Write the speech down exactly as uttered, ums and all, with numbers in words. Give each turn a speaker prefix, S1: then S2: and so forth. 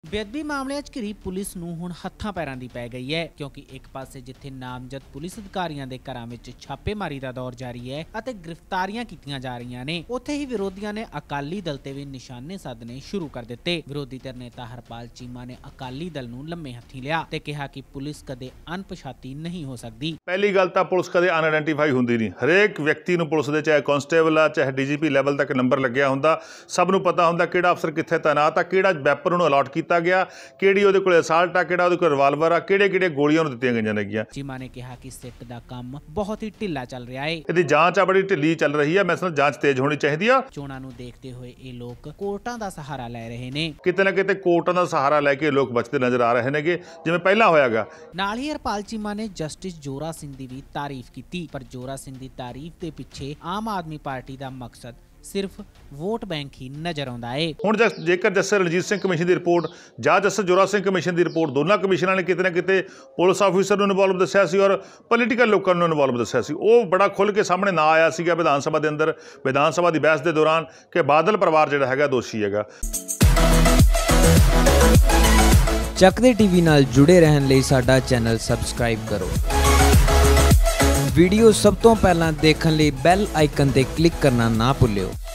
S1: ਬੇਅਦਬੀ ਮਾਮਲਿਆਂ 'ਚ ਘਿਰੀ ਪੁਲਿਸ ਨੂੰ ਹੁਣ ਹੱਥਾਂ ਪੈਰਾਂ ਦੀ ਪੈ ਗਈ ਹੈ, ਕਿਉਂਕਿ ਇੱਕ ਪਾਸੇ ਜਿੱਥੇ ਨਾਮਜ਼ਦ ਪੁਲਿਸ ਅਧਿਕਾਰੀਆਂ ਦੇ ਘਰਾਂ ਵਿੱਚ ਛਾਪੇਮਾਰੀ ਦਾ ਦੌਰ ਜਾਰੀ ਹੈ ਅਤੇ ਗ੍ਰਿਫਤਾਰੀਆਂ ਕੀਤੀਆਂ ਜਾ ਰਹੀਆਂ ਨੇ, ਉੱਥੇ ਹੀ ਵਿਰੋਧੀਆਂ ਨੇ ਅਕਾਲੀ ਦਲ ਤੇ ਵੀ ਨਿਸ਼ਾਨੇ ਸਾਧਨੇ ਸ਼ੁਰੂ ਕਰ ਦਿੱਤੇ। ਵਿਰੋਧੀ ਧਿਰ ਨੇਤਾ ਹਰਪਾਲ ਚੀਮਾ ਨੇ ਅਕਾਲੀ ਦਲ ਨੂੰ ਲੰਮੇ ਹੱਥੀਂ ਲਿਆ ਤੇ ਕਿਹਾ ਕਿ ਪੁਲਿਸ ਕਦੇ ਅਣਪਛਾਤੀ ਨਹੀਂ ਹੋ ਸਕਦੀ।
S2: ਪਹਿਲੀ ਗੱਲ ਤਾਂ ਪੁਲਿਸ ਕਦੇ ਅਨਆਇਡੈਂਟੀਫਾਈ ਹੁੰਦੀ ਨਹੀਂ। ਹਰੇਕ ਵਿਅਕਤੀ ਨੂੰ ਪੁਲਿਸ ਦੇ ਚਾਹੇ ਕਾਂਸਟੇਬਲ ਆ ਚਾਹੇ ਡੀਜੀਪੀ ਲੈਵਲ ਤੱਕ ਨੰਬਰ ਲੱਗਿਆ ਹੁੰਦਾ, ਸਭ ਨੂੰ ਪਤਾ ਹੁੰਦਾ ਕਿਹੜਾ ਅਫਸਰ ਕਿੱਥੇ ਤੈਨਾਤ ਆ, ਕਿਹੜਾ ਵੈਪਨ ਉਹਨੂੰ ਅਲਾਟ ਕੀਤਾ ਗਿਆ, ਕਿਹੜੀ ਉਹਦੇ ਕੋਲ ਅਸਾਲਟ ਆ, ਕਿਹੜਾ ਉਹਦੇ ਕੋਲ ਰਿਵਾਲਵਰ ਆ, ਕਿਹੜੇ ਕਿਹੜੇ ਗੋਲੀਆਂ ਉਹਨੂੰ ਦਿੱਤੀਆਂ ਗਈਆਂ ਨੇਗੀਆਂ।
S1: ਚੀਮਾ ਨੇ ਕਿਹਾ ਕਿ ਸਿੱਟ ਦਾ ਕੰਮ ਬਹੁਤ ਹੀ ਢਿੱਲਾ ਚੱਲ ਰਿਹਾ ਹੈ।
S2: ਇਹਦੀ ਜਾਂਚ ਆ ਬੜੀ ਢਿੱਲੀ ਚੱਲ ਰਹੀ ਹੈ। ਮੈਂ ਸਮਝ ਜਾਂਚ ਤੇਜ਼ ਹੋਣੀ ਚਾਹੀਦੀ ਆ।
S1: ਚੋਣਾਂ ਨੂੰ ਦੇਖਦੇ ਹੋਏ ਇਹ ਲੋਕ ਕੋਰਟਾਂ ਦਾ ਸਹਾਰਾ ਲੈ ਰਹੇ ਨੇ।
S2: ਕਿਤੇ ਨਾ ਕਿਤੇ ਕੋਰਟਾਂ ਦਾ ਸਹਾਰਾ ਲੈ ਕੇ ਲੋਕ ਬਚਦੇ ਨਜ਼ਰ ਆ ਰਹੇ ਨੇਗੇ, ਜਿਵੇਂ ਪਹਿਲਾਂ ਹੋਇਆਗਾ।
S1: ਨਾਲ ਹੀ ਹਰਪਾਲ ਚੀਮਾ ਨੇ ਜਸਟਿਸ ਜੋਰਾ ਸਿੰਘ ਦੀ ਵੀ ਤਾਰੀਫ ਕੀਤੀ, ਪਰ ਜੋਰਾ ਸਿੰਘ ਦੀ ਤਾਰੀਫ ਦੇ ਪਿੱਛੇ ਆਮ ਆਦਮੀ ਪਾਰਟੀ ਦਾ ਮਕਸਦ ਸਿਰਫ ਵੋਟ ਬੈਂਕ ਹੀ ਨਜ਼ਰ ਆਉਂਦਾ ਹੈ। ਹੁਣ
S2: ਜੇਕਰ ਜਸਟਿਸ ਰਣਜੀਤ ਸਿੰਘ ਕਮਿਸ਼ਨ ਦੀ ਰਿਪੋਰਟ ਜਾਂ ਜਸਟਿਸ ਜੋਰਾ ਸਿੰਘ ਕਮਿਸ਼ਨ ਦੀ ਰਿਪੋਰਟ, ਦੋਨਾਂ ਕਮਿਸ਼ਨਾਂ ਨੇ ਕਿਤੇ ਨਾ ਕਿਤੇ ਪੁਲਿਸ ਆਫੀਸਰ ਨੂੰ ਇਨਵੋਲਵ ਦੱਸਿਆ ਸੀ ਔਰ ਪੋਲੀਟੀਕਲ ਲੋਕਾਂ ਨੂੰ ਇਨਵੋਲਵ ਦੱਸਿਆ ਸੀ, ਉਹ ਬੜਾ ਖੁੱਲ੍ਹ ਕੇ ਸਾਹਮਣੇ ਨਾ ਆਇਆ ਸੀਗਾ ਵਿਧਾਨ ਸਭਾ ਦੇ ਅੰਦਰ, ਵਿਧਾਨ ਸਭਾ ਦੀ ਬਹਿਸ ਦੇ ਦੌਰਾਨ, ਕਿ ਬਾਦਲ ਪਰਿਵਾਰ ਜਿਹੜਾ ਹੈਗਾ ਦੋਸ਼ੀ ਹੈਗਾ।
S3: ਚੱਕਦੇ ਟੀਵੀ ਨਾਲ ਜੁੜੇ ਰਹਿਣ ਲਈ ਸਾਡਾ ਚੈਨਲ ਸਬਸਕ੍ਰਾਈਬ ਕਰੋ। ਵੀਡੀਓ ਸਭ ਤੋਂ ਪਹਿਲਾਂ ਦੇਖਣ ਲਈ ਬੈਲ ਆਈਕਨ ਤੇ ਕਲਿੱਕ ਕਰਨਾ ਨਾ ਭੁੱਲਿਓ।